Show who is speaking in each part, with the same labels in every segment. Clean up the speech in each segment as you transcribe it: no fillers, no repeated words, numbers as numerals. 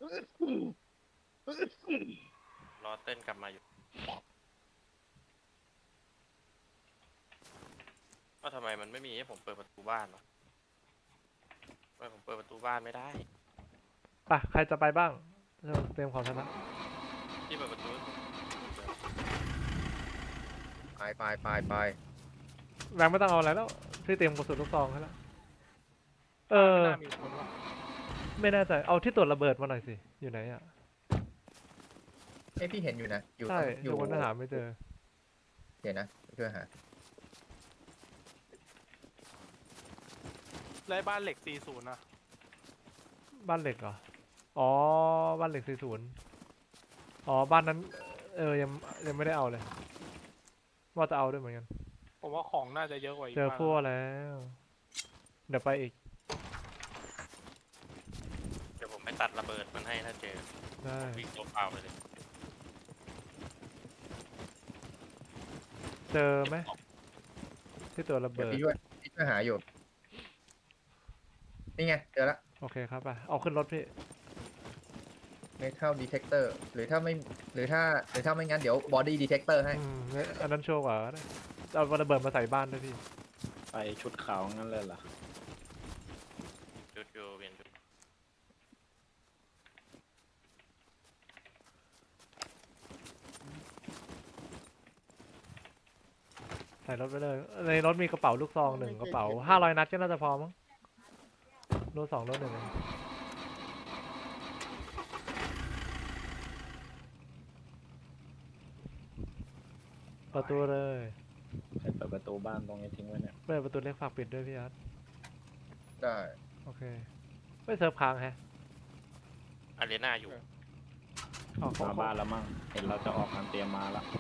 Speaker 1: รอเต้นกลับมาอยู่ว่าทำไมมันไม่มีให้ผมเปิดประตูบ้านวะทำไมผมเปิดประตูบ้านไม่ได้
Speaker 2: ไปใครจะไปบ้างเตรียมของชนะ
Speaker 1: ที่เปิดประตู
Speaker 3: ไป
Speaker 2: แบงค์ไม่ต้องเอาอะไรแล้วพี่เตรียมกระสุนลูกซองให้แล้วเออ
Speaker 4: ไม่น่ามีคนวะ
Speaker 2: ไม่แน่ใจเอาที่ตรวจระเบิดมาหน่อยสิอยู่ไหนอ่ะ
Speaker 3: พี่เห็นอยู่นะอยู่
Speaker 2: ใช่
Speaker 3: อ
Speaker 2: อยู่ ยู่บนหาไม่เจอ
Speaker 3: เดี๋ยวนะเพื่อหา
Speaker 4: ไล่บ้านเหล็ก40นะ
Speaker 2: บ้านเหล็กเหรออ๋อบ้านเหล็ก40อ๋อบ้านนั้นยังไม่ได้เอาเลยว่าจะเอาด้วยเหมือนกัน
Speaker 4: ผมว่าของน่าจะเยอะกว่าอีก
Speaker 2: เจอ
Speaker 4: บ้าน
Speaker 2: พวกแล้วเดี๋ยวไปอีก
Speaker 1: เดี๋ยวผมไปตัดระเบิดมันให้ถ้าเจอ
Speaker 2: ได้
Speaker 1: วิ่งตัวเปล่าไปเลย
Speaker 2: เจอไหมที่ตรวจระ
Speaker 3: เดี๋ยว
Speaker 2: เบิด
Speaker 3: พี่ช่วยหาอยู่นี่ไงเจอละ
Speaker 2: โอเคครับไปเอาขึ้นรถพี่
Speaker 3: metal detector หรือถ้าไม่งั้นเดี๋ยว body detector ให้
Speaker 2: เนี่ยอันนั้นโชว์กว่านะเอาระเบิดมาใส่บ้านด้วยพี่
Speaker 5: ไปชุดขาวงั้นเลยเหรอ
Speaker 1: จุดอยู่เวียนจุด
Speaker 2: ใส่รถไปเลยในรถมีกระเป๋าลูกซอง1กระเป๋า500 นัดก็น่าจะพอมั้งรถ2รถ1ประตูเลย
Speaker 5: ใครเปิดประตูบ้านตรงนี้ทิ้งไว้เนี่ย
Speaker 2: เปิดประตูเล็กฝากปิดด้วยพี่อาร์ต
Speaker 3: ได้
Speaker 2: โอเคไม่เซิร์ฟค้างแฮะ
Speaker 1: อารีนาอยู่
Speaker 2: ออก
Speaker 5: มาบ้านแล้วมั่งเห็นเราจะออกกันเตรียมมาแล้ว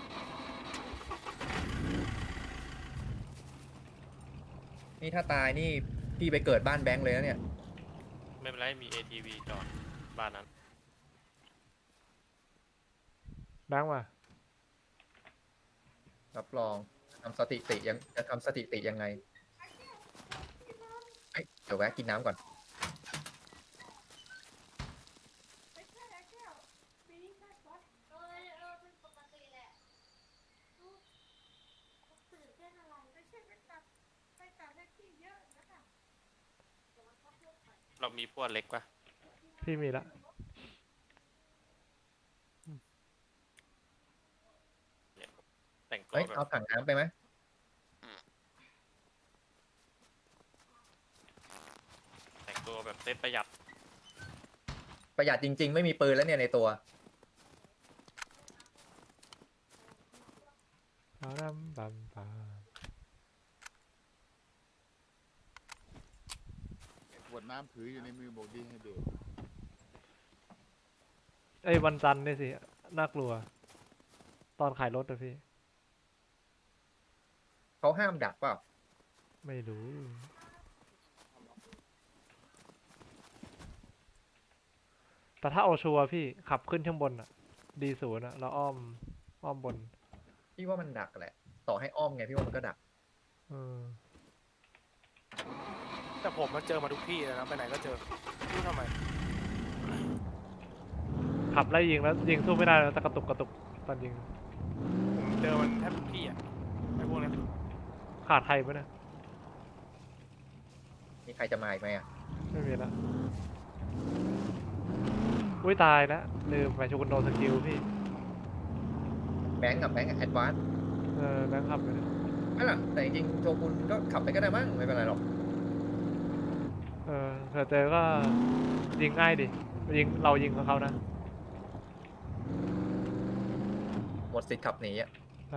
Speaker 3: นี่ถ้าตายนี่พี่ไปเกิดบ้านแบงค์เลยนะเนี่ย
Speaker 1: ไม่เป็นไรมี ATV จอดบ้านนั้น
Speaker 2: แบงค์มา
Speaker 3: รับรองทำสถิติจะทำสถิติยังไงเดี๋ยวแวะกินน้ำก่อน
Speaker 1: เรามีพวกเล็กปะ
Speaker 2: พี่มีละ
Speaker 1: แต่งตัว
Speaker 3: เฮ้ย
Speaker 1: แบบ
Speaker 3: เอาถังน้ำไปไหม
Speaker 1: แต่งตัวแบบเซฟประหยัด
Speaker 3: ประหยัดจริงๆ ไม่มีปืนแล้วเนี่ยในตัว
Speaker 2: ปารัมบัมปา
Speaker 6: ขวดน้ำถืออยู่ในมือบอกดีให้เบรก
Speaker 2: ไอ้วันจันทร์นี่สิน่ากลัว ตอนขายรถอะพี่
Speaker 3: เขาห้ามดักเปล่า
Speaker 2: ไม่รู้ แต่ถ้าเอาชัวร์พี่ขับขึ้นข้างบนอะD0อะแล้วอ้อมบน
Speaker 3: พี่ว่ามันดักแหละ ต่อให้อ้อมไงพี่ว่ามันก็ดัก
Speaker 2: เออ
Speaker 4: แต่ผมมาเจอมาทุกที่เลยนะไปไหนก็เจอไม่รู้ทำไม
Speaker 2: ขับไล่ยิงแล้วยิงสู้ไม่ได้แล้วแต่กระตุกตอนยิง
Speaker 4: ผมเจอมันแทบทุกที่อ่ะไอ้พวกเนี้ย
Speaker 2: ขาดใครปะเนี่ย
Speaker 3: มีใครจะมาอีกไหมอ่ะ
Speaker 2: ไม่มีละอุ้ยตายแล้วลืมไปโชกุนโดสกิลพี่
Speaker 3: แบงค์กับแบงค์แอดวานซ์
Speaker 2: แบงค์ขับไปเลย
Speaker 3: นั่นแหละแต่จริงๆโชกุนก็ขับไปก็ได้มั้งไม่เป็นไรหรอก
Speaker 2: เผื่อเจอก็ยิงง่ายดิเรายิงกับเขานะ
Speaker 3: หมดสิทธิ์ขับหนีอ่ะ
Speaker 2: ใช่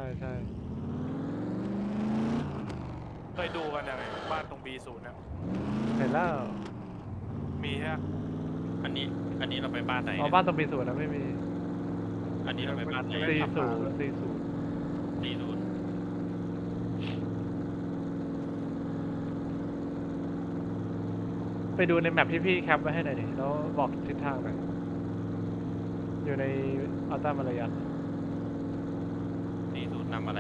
Speaker 4: เคยดูกันยังไงบ้านตรง B0 เนี่ย
Speaker 2: เห็นแล้ว
Speaker 4: มีใช่ไหม
Speaker 1: อันนี้เราไปบ้านไหน
Speaker 2: อ๋อ
Speaker 1: เนี่ย
Speaker 2: บ้านตรงปีศูนย์นะไม่มี
Speaker 1: อันนี้เราไปบ้านไหน
Speaker 2: 40
Speaker 1: ตีรูน
Speaker 2: ไปดูในแมปที่พี่แคปไว้ให้หน่อยดิแล้วบอกทิศทางหน่อยอยู่ในอัลต้ามาลายัน
Speaker 1: ตีรูนนำอะไร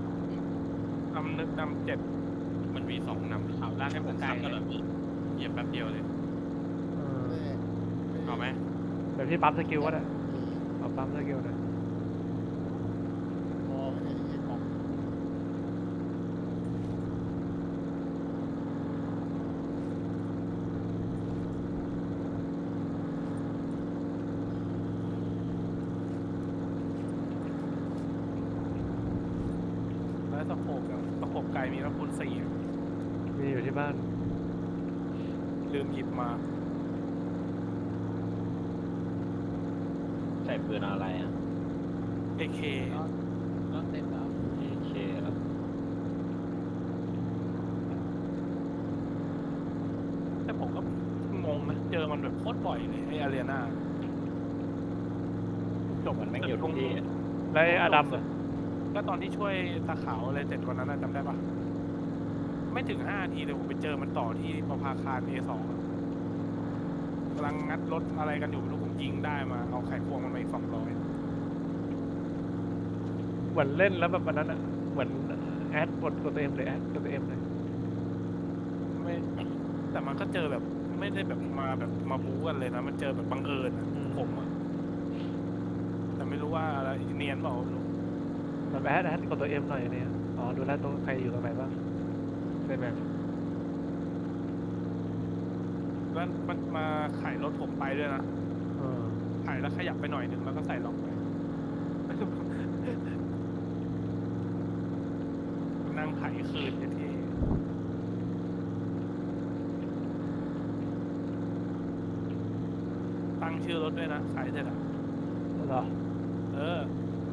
Speaker 4: นำ7
Speaker 1: มันมี2นำ
Speaker 4: ข่าวล่างให้ผม
Speaker 1: ขับ
Speaker 4: ไกล
Speaker 1: ก็
Speaker 4: เล
Speaker 1: เลย ยเหยียบแป๊บเดียวเลย
Speaker 2: เออ
Speaker 1: เอาไหม
Speaker 2: เดี๋ยวพี่ปั๊มสกิลก็ได้เอาปั๊มสกิลหน่อย
Speaker 6: พอไม่ได้ไอ้กล่อง
Speaker 4: แล้วสะโพกอะสะโพกไก่มีแล้วคูณ4อะ
Speaker 2: มีอยู่ที่บ้าน
Speaker 4: ลืมหยิบมา
Speaker 5: ใส่ปืนอะไรอ่ะ
Speaker 4: AK
Speaker 5: เอเคแล้ว
Speaker 4: แต่ผมก็งงนะ เจอมันแบบโคตรบ่อยเลยไอ้อารีนาจบ
Speaker 5: มันไม่งอยู่ทุกที่อะ
Speaker 2: แล้วไอ้อดัมเหรอ
Speaker 4: ก็ตอนที่ช่วยตาขาวอะไรเสร็จวันนั้นนะจำได้ปะไม่ถึง5 นาทีเลยผมไปเจอมันต่อที่ประภาคาร A2 อะกำลังงัดรถอะไรกันอยู่ไม่รู้ผมยิงได้มาเอาไขควงมันมาอีก200
Speaker 2: เหมือนเล่นแล้วแบบวันนั้นอ่ะเหมือนแอดกดตัวเอ็มเลยแอดกดตัวเอ็มเลย
Speaker 4: ไม่แต่มันก็เจอแบบไม่ได้แบบมาบู๊กันเลยนะ มันเจอแบบบังเอิญอะผมอะแต่ไม่รู้ว่าอะไรเนียนเปล่าไม่รู้
Speaker 2: แบบแอดกดตัวเอ็มหน่อยเนี่ยอ๋อดูแลวตรงใครอยู่ตรงไหนบ้างในแมป
Speaker 4: แล้วมันมาไขรถผมไปด้วยนะ
Speaker 2: เออ
Speaker 4: ไขแล้วขยับไปหน่อยหนึ่งแล้วก็ใส่ล็อกไป นั่งไขคืนอย่างที่ตั้งชื่อรถด้วยนะไขเสร็จอะ
Speaker 2: เหรอ
Speaker 4: เออ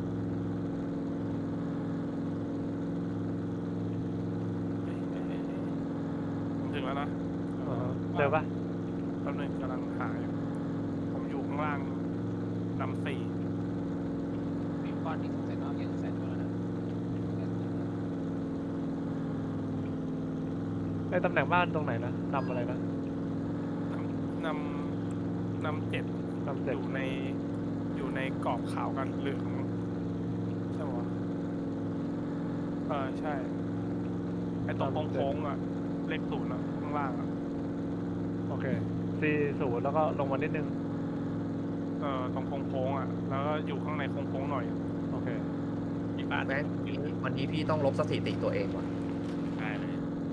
Speaker 4: ผมถึงแล้วนะ
Speaker 2: เจอปะ
Speaker 4: แป๊บนึงกำลังหาอยู่ผมอยู่ข้างล่างนำ4
Speaker 7: มีก้อนที่สงสัยน้องยังใส่ตัวแล้วนะ
Speaker 2: ไอ้ตำแหน่งบ้านตรงไหนนะนำอะไรนะ
Speaker 4: นำ7
Speaker 2: นำ
Speaker 4: อ
Speaker 2: เจ็ด
Speaker 4: ยู่ในกรอบขาวกันเหลืองใช่ปะวะใช่ไอตรงโค้งๆอ่ะเลข0อ่ะข้างล่างอ่ะ
Speaker 2: โอเค40แล้วก็ลงมานิดนึง
Speaker 4: ตรงโค้งๆอ่ะแล้วก็อยู่ข้างในโค้งๆหน่อย
Speaker 2: โอเค
Speaker 1: ที่บ้าน
Speaker 3: แม่งวันนี้พี่ต้องลบสถิติตัวเองว่ะ
Speaker 1: ได้เลย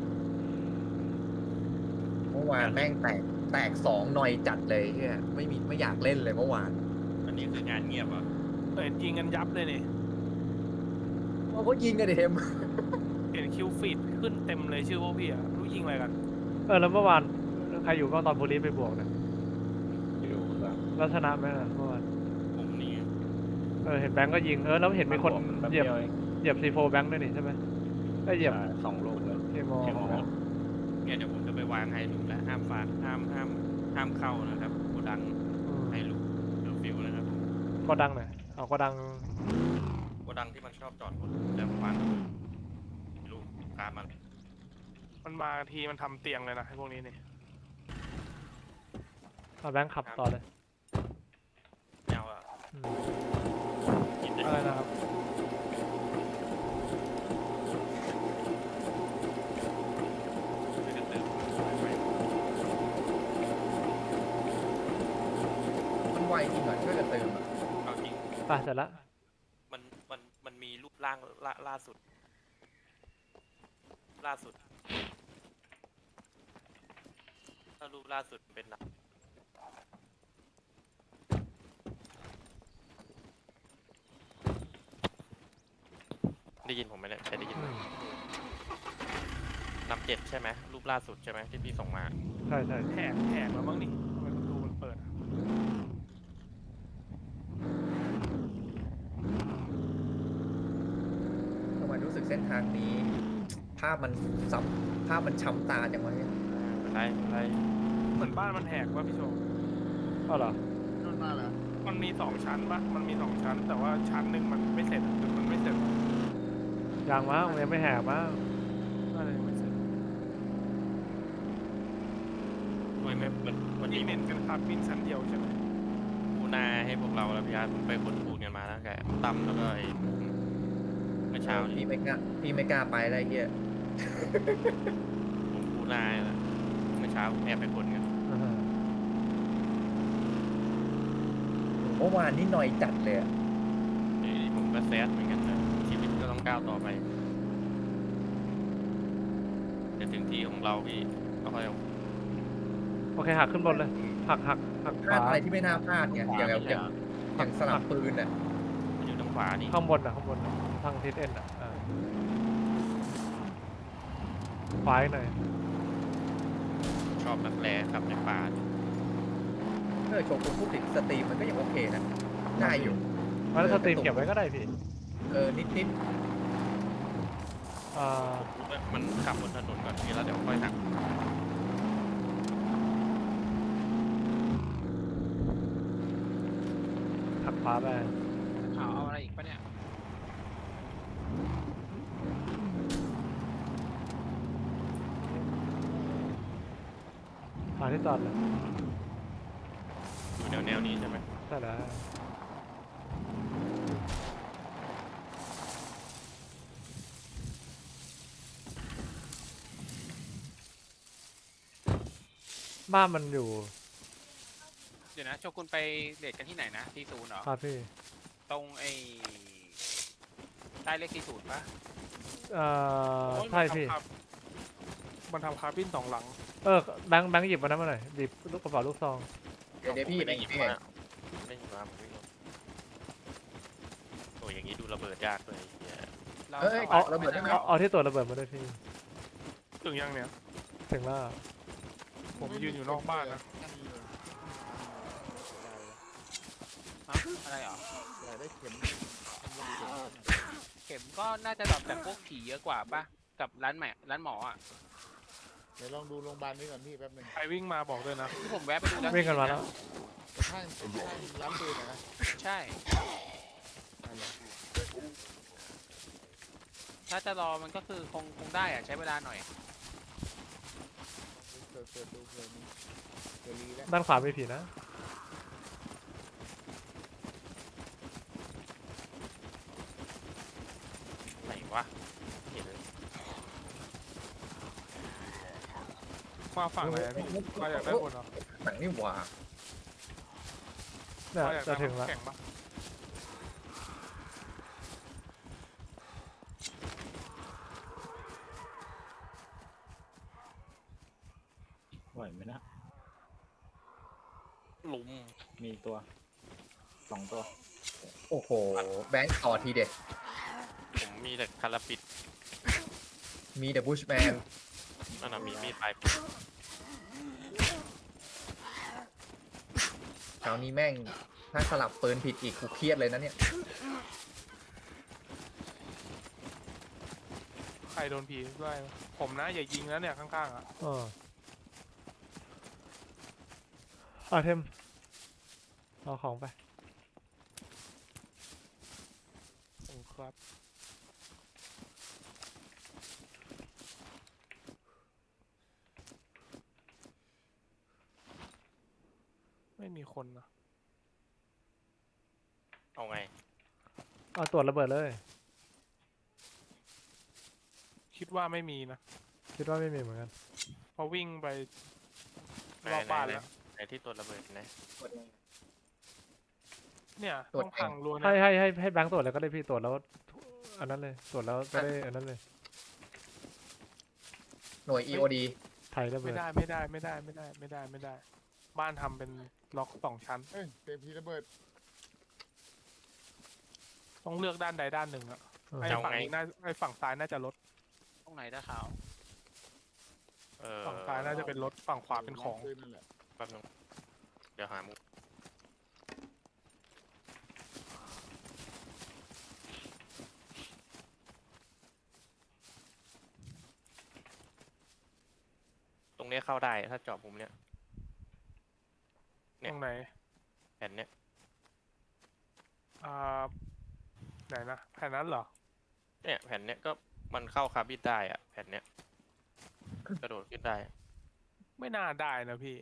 Speaker 3: เมื่อวานแม่งแตก2 หน่อยจัดเลยเฮียไม่อยากเล่นเลยเมื่อวาน
Speaker 1: อันนี้คืองานเงียบเหรอ่ะ
Speaker 4: เห็นยิงกันยับเลยนี่
Speaker 3: โอ้ก็ยิงกันดิเทม
Speaker 4: เห็นคิวฟีดขึ้นเต็มเลยชื่อพวกพี่อ่ะรู้ยิงอะไรกัน
Speaker 2: แล้วเมื่อวานใครอยู่บ้างตอนโพลีสไปบวกเนี่ย
Speaker 5: อยู่ครับ
Speaker 2: แล้วชนะไหมล่ะเมื่อวาน
Speaker 1: ผมนี่
Speaker 2: เห็นแบงก์ก็ยิงแล้วเห็นมีคน
Speaker 5: แป๊บ
Speaker 2: เหยียบ
Speaker 5: เดียวเอง
Speaker 2: เหยียบC4แบงก์ด้วยนี่ใช่ไหมได้เหยียบ
Speaker 5: ใช่2 ลูกเลย
Speaker 2: เคมอ
Speaker 5: เคมอ
Speaker 1: เนี่ยเดี๋ยวผมจะไปวางไฮลูกแล้วห้ามฟาดห้ามเข้านะครับโกดังไฮลูกเดี๋ยวฟิวนะครับผม
Speaker 2: ก็ดังหน่อยเอาก็ดัง
Speaker 1: โกดังที่มันชอบจอดรถจะวางลูกตามมัน
Speaker 4: มันมาทีมันทำเตียงเลยนะไอ้พวกนี้นี่
Speaker 2: เอาแบงค์ขับต่อเลย
Speaker 1: แนวอ่ะ
Speaker 2: อืม
Speaker 1: กินได้
Speaker 2: อะไรนะครับ
Speaker 1: ไม่กระตือ
Speaker 3: มันไวจริงเหรอช่วยกันเติมอะ
Speaker 1: เอาจริง
Speaker 2: ไปเสร็จละ
Speaker 1: มันมีรูปร่างล่าสุด ถ้ารูปล่าสุดเป็นหนักได้ยินผมไหมเนี่ยใช่ได้ยินไหมนำ7ใช่ไหมรูปล่าสุดใช่ไหมที่พี่ส่งมา
Speaker 2: ใช่ใช่
Speaker 4: แหกแล้วมั้งนี่ทำไมประตูมันเปิดอะ
Speaker 3: ทำไมรู้สึกเส้นทางนี้ ภาพมันช้ำตาจังวะเนี่ย
Speaker 1: อะไร
Speaker 4: เหมือนบ้านมันแหกว่าพี่โชว์
Speaker 2: เอาเหรอ
Speaker 6: โดนมาเหรอ
Speaker 4: มันมี2 ชั้นปะมันมี2 ชั้น แต่ว่าชั้นหนึ่งมันไม่เสร็จอะมันไม่เสร็จ
Speaker 2: ยังมั้งยังไม่แหกมั้ง
Speaker 4: อะไรยังไม่เสร็จ
Speaker 1: ทำไมไม่เหมือนวัน
Speaker 4: ที่
Speaker 1: นี้
Speaker 4: เน้นกันครับบินชั้นเดียวใช่ไหม
Speaker 1: ปูนาให้พวกเราแล้วพี่อาร์ตผมไปขนปูนกันมาแล้วแกตั้มแล้วก็ไอ้เมื่อเช้านี้
Speaker 3: พี่ไม่กล้าไปอะไรเฮีย
Speaker 1: ผมปูนาแหละเมื่อเช้าแอบไปขนกัน
Speaker 2: อ่าฮะ
Speaker 3: มื่อวานนี่หน่อยจัดเลยอะ
Speaker 1: นี่ผมก็แซดเหมือนกันนะชีวิตก็ต้องก้าวต่อไปจะถึงที่ของเราพี่ก็ค่อยเอา
Speaker 2: โอเคหักขึ้นบนเลยหักข
Speaker 3: พลาด
Speaker 2: วา
Speaker 3: อะไรที่ไม่น่าพลาดไงอย่างสลับปืนอ่ะ
Speaker 1: มันอยู่ทางขวานี่
Speaker 2: ข้างบนข้างบนทางทิศเอ็นขวาอีกหน่อย
Speaker 1: ชอบนักแร่ครับในป่า
Speaker 3: โชว์คุณพูดถึงสตรีมมันก็ยังโอเคนะได้อยู่
Speaker 2: แล้วสตรีมเก็บไว้ก็ได้พี่
Speaker 3: นิด
Speaker 1: มันขับบนถนนก่อนพี่แล้วเดี๋ยวค่อยหัก
Speaker 2: หักขวาไป
Speaker 7: ข่าวเอาอะไรอีกปะเนี่ย
Speaker 2: หาที่จอดเลย
Speaker 1: อยู่แนวนี้ใช่ไหม
Speaker 2: ใช่แล้วบ้านมันอยู่
Speaker 7: เดี๋ยวนะโชกุนไปเดทกันที่ไหนนะที่ศูนย์เหรอ
Speaker 2: ครับพี่
Speaker 7: ตรงไอ้ใต้เลขที่ศูนย์ปะ
Speaker 2: ใช่พี่
Speaker 4: มันทำคาร์บิน2 หลัง
Speaker 2: แบงค์หยิบมานั้นมาหน่อยหยิบลูกกระเป๋าลูกซอง
Speaker 3: ๆเดี๋ยวพี่
Speaker 1: ไม่ได้หยิบ
Speaker 3: พี่
Speaker 1: มาไม่หยิบมาผมไม่รู้โอ้ยอย่างนี้ดูระเบิดยากเลยเหี้ย
Speaker 7: เรา
Speaker 3: เอาระเบิดได้ไหม
Speaker 2: เอาที่ตรวจระเบิดมาด้วยพี่
Speaker 4: ถึงยังเนี่ย
Speaker 2: ถึงแล้ว
Speaker 4: ผมยืนอยู่นอกบ้านนะ
Speaker 7: ฮะอะไรเหรอ
Speaker 6: อยากได้เข็ม
Speaker 7: เข็มก็น่าจะแบบแต่พวกผีเยอะกว่าปะกับร้านหมออ่ะ
Speaker 6: เดี๋ยวลองดูโรงพยาบาลนี้ก่อนพี่แป๊บหนึง
Speaker 4: ใครวิ่งมาบอกด้วยนะ
Speaker 7: ที่ผมแวะไปดูแล้ว
Speaker 2: วิ่งกันมาแล้ว
Speaker 6: ข้างร้านปืนนะ
Speaker 7: ใช่ ถ้าจะรอมันก็คือคงได้อะใช้เวลาหน่อย
Speaker 6: เปิดดูเพลินเจอรีแล้ว
Speaker 2: ด้านขวาไม่ผีนะ
Speaker 1: ไหนวะเห็นเลย
Speaker 4: มาฝั่งไหนอะพี่มาอยากได้บนเหรอ
Speaker 3: หนังนี่หว่า
Speaker 2: เนี่ย
Speaker 4: มาอยาก
Speaker 2: จะ
Speaker 4: ได้
Speaker 2: ถึงแล้ว
Speaker 4: แข่งปะ
Speaker 5: ไหวไหมนะ
Speaker 1: หลุม
Speaker 5: มีตัว2 ตัว
Speaker 3: โอ้โหแบงค์ต่อทีเด็ด
Speaker 1: ผมมีแต่คาราปิด
Speaker 3: มีเดอะบูชแมน
Speaker 1: นั่นน่ะมีมีดปลาย
Speaker 3: คราวนี้แม่งถ้าสลับปืนผิดอีกกูเครียดเลยนะเนี่ย
Speaker 4: ใครโดนผีด้วยผมนะอย่ายิงนะเนี่ยข้างๆอ่ะ
Speaker 2: เทมเอาของไป
Speaker 4: โอ้ครับ ไม่มีคนนะ
Speaker 1: เอาไง
Speaker 2: เอาตรวจระเบิดเลย
Speaker 4: คิดว่าไม่มีนะ
Speaker 2: คิดว่าไม่มีเหมือนกัน
Speaker 4: เพราะวิ่งไป
Speaker 1: ไหน
Speaker 4: รอบบ้าน
Speaker 1: ไหน
Speaker 4: แล้ว
Speaker 1: ไหนที่ตัวระเบิดนะ
Speaker 4: เนี่ย
Speaker 3: ตรวจ
Speaker 4: ต้องพังรัว
Speaker 2: ให้
Speaker 4: เนี่ย
Speaker 2: ให้แบงค์ตรวจเลยก็ได้พี่ตรวจแล้วอันนั้นเลยตรวจแล้วก็ได้อันนั้นเลย
Speaker 3: หน่วย EOD
Speaker 2: ไทยระเบิ
Speaker 4: ไม่
Speaker 2: ด
Speaker 4: ได้ไม่ได้ไม่ได้ไม่ได้ไม่ได้ไม่ได้ บ้านทำเป็นล็อก2 ชั้น
Speaker 6: เอ้ยเต็มพีระเบิด
Speaker 4: ต้องเลือกด้านใดด้านหนึ่งอะ
Speaker 2: เออ
Speaker 4: ไอ้ฝั่งนี้น่าไอ้ฝั่งซ้ายน่าจะลด
Speaker 7: ตรงไหนตาขาว
Speaker 4: ฝั่งซ้ายน่าจะเป็นรถฝั่งขวาเป็นของ
Speaker 6: ปืนนั่นแหละ
Speaker 1: แป๊บนึงเดี๋ยวหามุกตรงเนี้ยเข้าได้ถ้าเจาะมุมเนี้ย
Speaker 4: ตรงไหน
Speaker 1: แผ่นเนี้ย
Speaker 4: อ่าไหนนะแผ่นนั้นเหรอ
Speaker 1: เนี่ยแผ่นเนี้ยก็มันเข้าคาร์บินได้อะแผ่นเนี้ยกระโดดขึ้นได้
Speaker 4: ไม่น่าได้นะพี่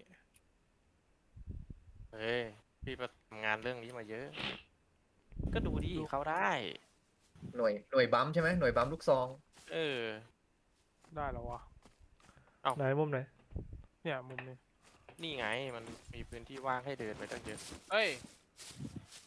Speaker 1: เฮ้ยพี่ประทำงานเรื่องนี้มาเยอะ ก็ดูดิเข้าได้
Speaker 3: หน่วยบัมใช่ไหมหน่วยบัมลูกซอง
Speaker 1: เออ
Speaker 4: ได้แล้ววะ
Speaker 2: ไหนมุมไหน
Speaker 4: เนี่ยมุมนี้
Speaker 1: นี่ไงมันมีพื้นที่ว่างให้เดินไปตั้งเยอะ
Speaker 7: เอ้ย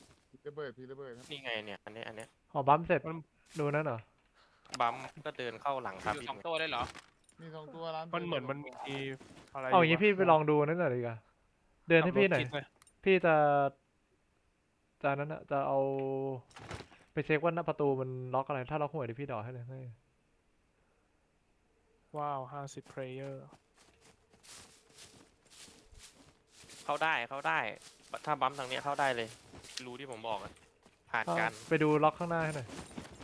Speaker 6: ระเบิดพี่ระเบิดครับ
Speaker 1: นี่ไงเนี่ยอันเนี้ย
Speaker 2: อ๋อบัมเสร็จดูนั่นเหรอ
Speaker 1: บัมก็เดินเข้าหลังครับ
Speaker 7: อยู่
Speaker 1: พี่
Speaker 7: สองตัวเลยเหรอ
Speaker 6: มี2 ตัวร้าน
Speaker 4: มันเหมือนมันมีอะไร
Speaker 2: เอาอย่างงี้
Speaker 4: วะ
Speaker 2: พี่ไปลองดูนั่นหน่อยดีกว่าเดินให้พี่หน่อย
Speaker 4: ขับรถคิดเลย
Speaker 2: พี่จะนั้นอะจะเอาไปเช็คว่าหน้าประตูมันล็อกอะไรถ้าล็อกหัวเดี๋ยวพี่ดอให้เลย
Speaker 4: ว้าว50 player
Speaker 1: เข้าได้ถ้าบัมทางเนี้ยเข้าได้เลย รู้ที่ผมบอกอะผ่านกัน
Speaker 2: ไปดูล็อกข้างหน้าให้หน่อย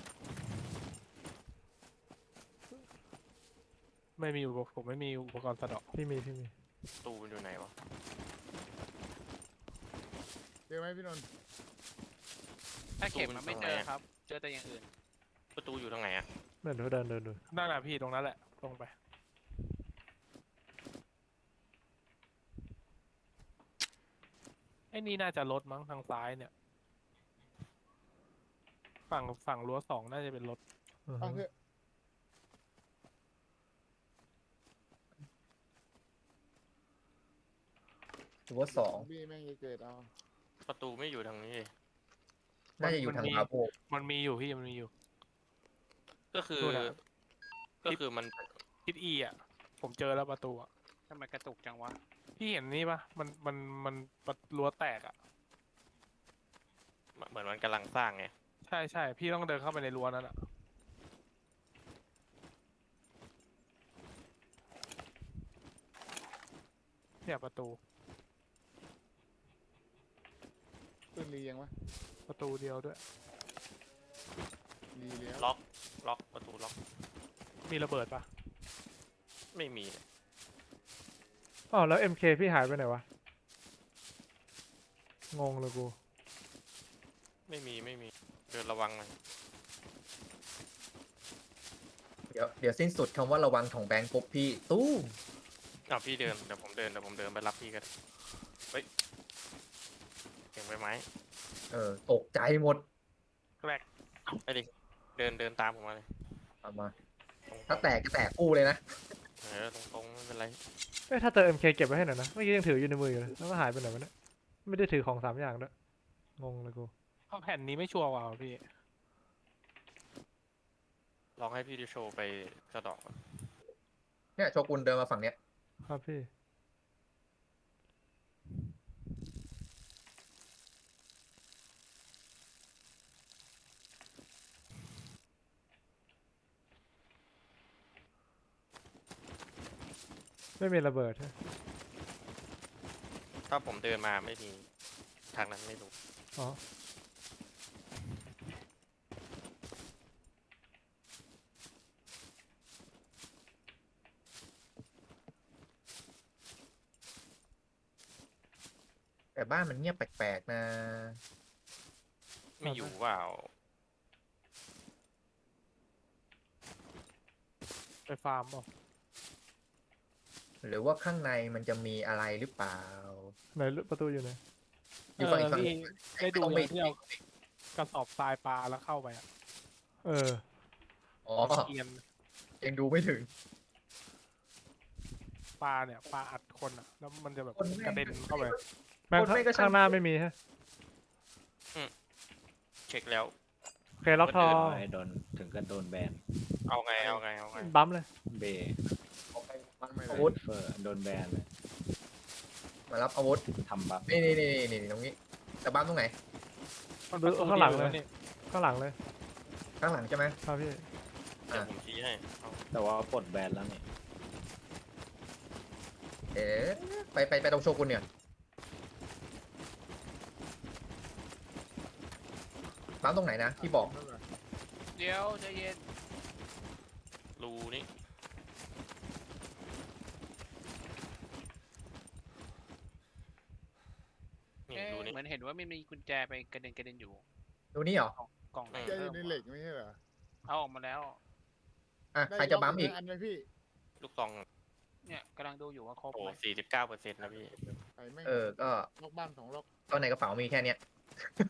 Speaker 4: ไม่มีผมไม่มีอุปกรณ์สะเดาะ
Speaker 2: พี่มี
Speaker 1: ประตูมันอยู่ไหนวะ
Speaker 6: เจอไหมพี่นนท์
Speaker 7: ถ้าเข็มมันไม่เจอครับ เจอแต่อย่างอื่น
Speaker 1: ประตูอยู่ทางไหนอะ
Speaker 2: เดินดู
Speaker 4: นั่นแหละพี่ตรงนั้นแหละตรงไปไอ้นี่น่าจะรถมั้งทางซ้ายเนี่ย ฝั่งรั้ว2น่าจะเป็นรถ
Speaker 6: เอาเถอะ
Speaker 3: ถือว่า2
Speaker 6: พี่แม่งจะเกิดเอา
Speaker 1: ประตูไม่อยู่ทางนี้เลย
Speaker 3: น่าจะอยู่ทางพาโบ
Speaker 4: มันมีอยู่พี่มันมีอยู่
Speaker 1: ก็คือ
Speaker 4: ดูนะ
Speaker 1: ก็คือมัน
Speaker 4: ทิศอีอ่ะ ผมเจอแล้วประตูอ่ะ
Speaker 7: ทำไมกระตุกจังวะ
Speaker 4: พี่เห็นนี่ปะมันรั้วแตกอ่ะ
Speaker 1: เหมือนมันกำลังสร้างไง
Speaker 4: ใช่พี่ต้องเดินเข้าไปในรั้วนั้นอ่ะ เนี่ยประตู
Speaker 6: ปืนรียังวะ
Speaker 4: ประตูเดียวด้วย
Speaker 6: รีแล้ว
Speaker 1: ล็อกประตูล็อก
Speaker 4: มีระเบิดปะ
Speaker 1: ไม่มีเลย
Speaker 2: อ๋อแล้ว MK พี่หายไปไหนวะงงเลยกู
Speaker 1: ไม่มีเดินระวังหน่อย
Speaker 3: เดี๋ยวสิ้นสุดคำว่าระวังของแบงค์ปุ๊บพี่ตู้ม
Speaker 1: อ้าวพี่เดินเดี๋ยวผมเดินไปรับพี่กันเฮ้ยเก่งไปไหม
Speaker 3: ตกใจหมด
Speaker 4: แรก
Speaker 1: ไปดิเดินตามผมมาเลย
Speaker 3: เอามา
Speaker 1: ตรงๆ
Speaker 3: ถ้าแตกก็แตกกู้เลยนะ
Speaker 1: ตรงไม่เป็นไร
Speaker 2: เอ้ยถ้าเจอ MK เก็บไว้ให้หน่อยนะเมื่อกี้ยังถืออยู่ในมืออยู่เลยแล้วก็หายไปไหนวะเนี่ยไม่ได้ถือของ3อย่างด้วยงงเลยกู
Speaker 4: เพราะแผ่นนี้ไม่ชัวร์ว่ะพี่
Speaker 1: ลองให้พี่ดิโชว์ไปสะเดอกก่อน
Speaker 3: เนี่ยโชกุนเดินมาฝั่งเนี้ย
Speaker 2: ครับพี่ไม่มีระเบิดใช่ไหม
Speaker 1: ถ้าผมเดินมาไม่มีทางนั้นไม่รู้
Speaker 2: อ๋อ
Speaker 3: แต่บ้านมันเงียบแปลกๆนะ
Speaker 1: ไม่อยู่เปล่า
Speaker 4: ไปฟาร์มเปล่า
Speaker 3: หรือว่าข้างในมันจะมีอะไรหรือเปล่า
Speaker 2: ไหนประตูอยู่ไหน
Speaker 3: อยู่ฝั่งอีกฝั่ง
Speaker 4: พี่ได้ดู
Speaker 3: ต้องไป
Speaker 4: อย่างที่เอากระสอบทรายปลาแล้วเข้าไปอ่ะ
Speaker 2: เออ
Speaker 3: อ๋อ
Speaker 4: เอียน
Speaker 3: ยังดูไม่ถึง
Speaker 4: ปลาเนี่ยปลาอัดคนอ่ะ แล้วมันจะแบบ
Speaker 3: คนแม่ง
Speaker 4: กระเด็นเข้าไป
Speaker 2: แม่ง
Speaker 3: คนไม่ก็ช่าง
Speaker 2: ข้างหน้าไม่มีฮะ
Speaker 1: เช็คแล้ว
Speaker 2: โอเคล็อกทอ
Speaker 5: ไม่โดนถึงกับโดนแบน
Speaker 1: เอาไง
Speaker 2: บัมเลย
Speaker 5: เบย์
Speaker 3: อาวุธ
Speaker 5: เฟอร์โดนแบนเลย
Speaker 3: มารับอาวุธ
Speaker 5: ทำบัฟ
Speaker 3: นี่ตรงนี้แต่บ้านตรงไหน
Speaker 4: มัน
Speaker 2: ดู
Speaker 4: ประตู
Speaker 2: ข้างหลังเลย
Speaker 4: ดีวนี่
Speaker 2: ข้างหลังเลย
Speaker 3: ข้างหลังใช่ไหม
Speaker 2: ครับพี่
Speaker 1: เดี๋ยวผมชี้ให้เอา
Speaker 5: แต่ว่าปลดแบนแล้วนี่
Speaker 3: เอ๊ะไปตรงโชกุนเนี่ยบ้านตรงไหนนะที่บอก
Speaker 7: เดี๋ยวใจเย็น
Speaker 1: รูนี่นี่
Speaker 7: เอ๊ะ
Speaker 1: รูนี่
Speaker 7: เหมือนเห็นว่ามันมีกุญแจไปกระเด็นอยู่
Speaker 3: ดูนี่เหรอ
Speaker 7: กล่องไหน
Speaker 6: ใจอยู่ในเหล็กไม่ใช่เหรอ
Speaker 7: เอาออกมาแล้ว
Speaker 3: อ่ะใครจะบัมอีก
Speaker 6: ได้อันไหมพี่
Speaker 1: ลูกซอง
Speaker 7: เนี่ยกำลังดูอยู่ว่าครบ
Speaker 1: โอ้
Speaker 7: ไหม
Speaker 1: 49%นะพี่
Speaker 6: ไอ้แม่ง
Speaker 3: ก็
Speaker 6: ล็อกบ้าน2 ล็อก
Speaker 3: ก็ในกระเป๋ามีแค่เนี้ย